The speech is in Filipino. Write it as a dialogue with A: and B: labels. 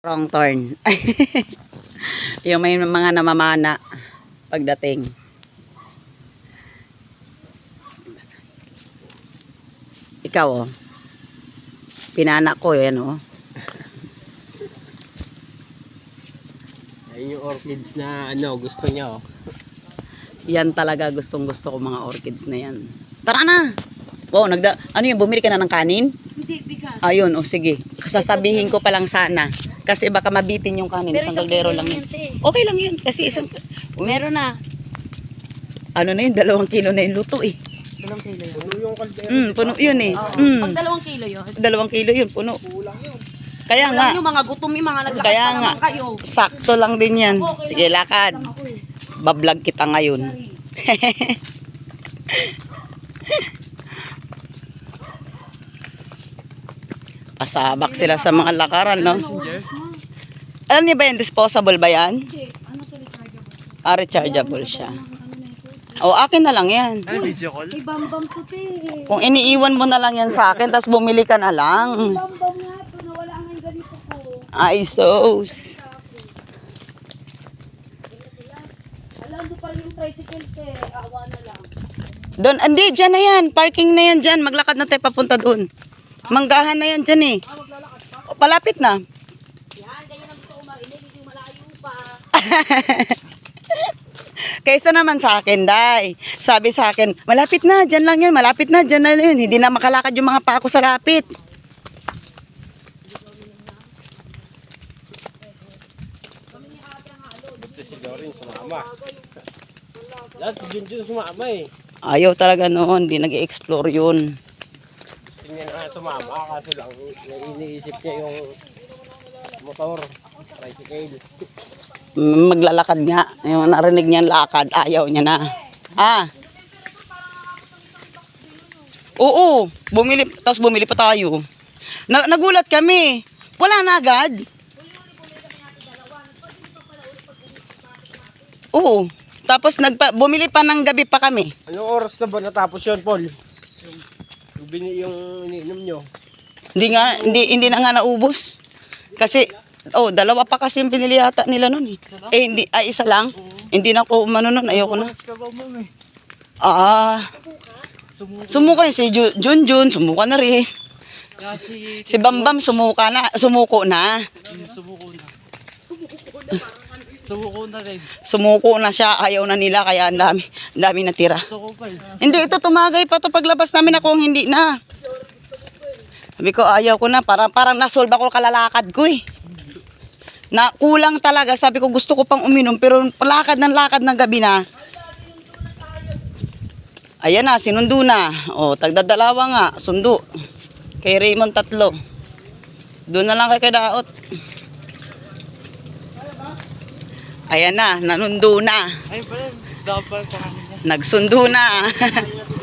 A: Wrong turn. Yung may mga namamana pagdating. Ikaw oh. Pinana ko yan oh.
B: Ayun yung orchids na gusto niya oh.
A: Yan talaga gustong-gusto ko mga orchids na yan. Tara na. Wow, ano yun, bumili ka na ng kanin?
C: Hindi, bigas.
A: Ayun, oh sige. Sasabihin ko pa lang sana. Kasi baka mabitin yung kanin.
C: Pero
A: Isang
C: isang
A: kaldero
C: kilo
A: lang
C: lang
A: yun.
C: yan, te.
A: Okay lang yun. Kasi isang...
C: Meron na.
A: Ano na yun, 2 kilo na yung luto eh.
C: 2 kilo yun.
B: Puno yung kaldero.
A: Puno yun eh.
C: Pag 2 kilo yun.
A: 2 kilo yun, puno.
B: Kulang yun.
A: Kaya nga,
C: Yung mga gutom, yung mga naglakad
A: kaya
C: pa
A: nga,
C: naman kayo.
A: sakto lang din yan. Sige, lakad.
C: Ako eh.
A: Bablog kita ngayon. Pasabak sila sa mga lakaran, no? Ano niya ba yan? Disposable ba yan?
C: Ano sa rechargeable?
A: Ah, rechargeable siya. O, akin na lang yan.
B: Ano video call?
C: Ay, bambam to te.
A: Kung iniiwan mo na lang yan sa akin, tapos bumili ka na lang.
C: Bambam nga to, nawala nga yung ganito ko.
A: Ay, sos.
C: Alam mo pa rin yung tricycle te. Awa na lang.
A: Doon, hindi, dyan na yan. Parking na yan dyan. Maglakad na tayo papunta doon. Manggahan na yan dyan eh. O, palapit na.
C: Yan, ganyan ang gusto ko marinig. Hindi malayo pa.
A: Kaysa naman sa akin, Day. Sabi sa akin, malapit na, dyan lang yun. Malapit na, dyan na yun. Hindi na makalakad yung mga pako sa lapit.
B: Ito si Dorin sumama. Lahat si Junjun sumama eh.
A: Ayaw talaga noon. Hindi nag-explore yun.
B: Gusto niya na sumama kaso lang iniisip niya yung motor. Tricycle.
A: Maglalakad nga. Yung narinig niya lakad, ayaw niya na. Ah. Oo. Bumili, tapos bumili pa tayo. Nagulat kami. Wala na agad. Oo. Tapos bumili pa ng gabi pa kami.
B: Anong oras na ba natapos yun, Paul? Yung iniinom nyo.
A: Hindi na nga naubos. Kasi, 2 pa kasi yung pinili yata nila nun eh. Hindi, isa lang. Hindi na ako umano nun, ayoko na. Sumuka yun, si Junjun, sumuka na rin. Si Bambam, sumuko na.
B: Sumuko na rin.
A: Sumuko na siya, ayaw na nila, kaya ang dami natira. Hindi, ito tumagay pa to paglabas namin ako, hindi na. Sabi ko, ayaw ko na, parang nasolve ako kalalakad ko eh. Na kulang talaga, sabi ko gusto ko pang uminom, pero lakad ng gabi na. Ayan na, sinundo na. O, tagdadalawa nga, sundo. Kay Raymond 3. Doon na lang kay Daot. Ayan na, nanundo na.
B: Ay, pala, dapat pa.
A: Nagsundo na.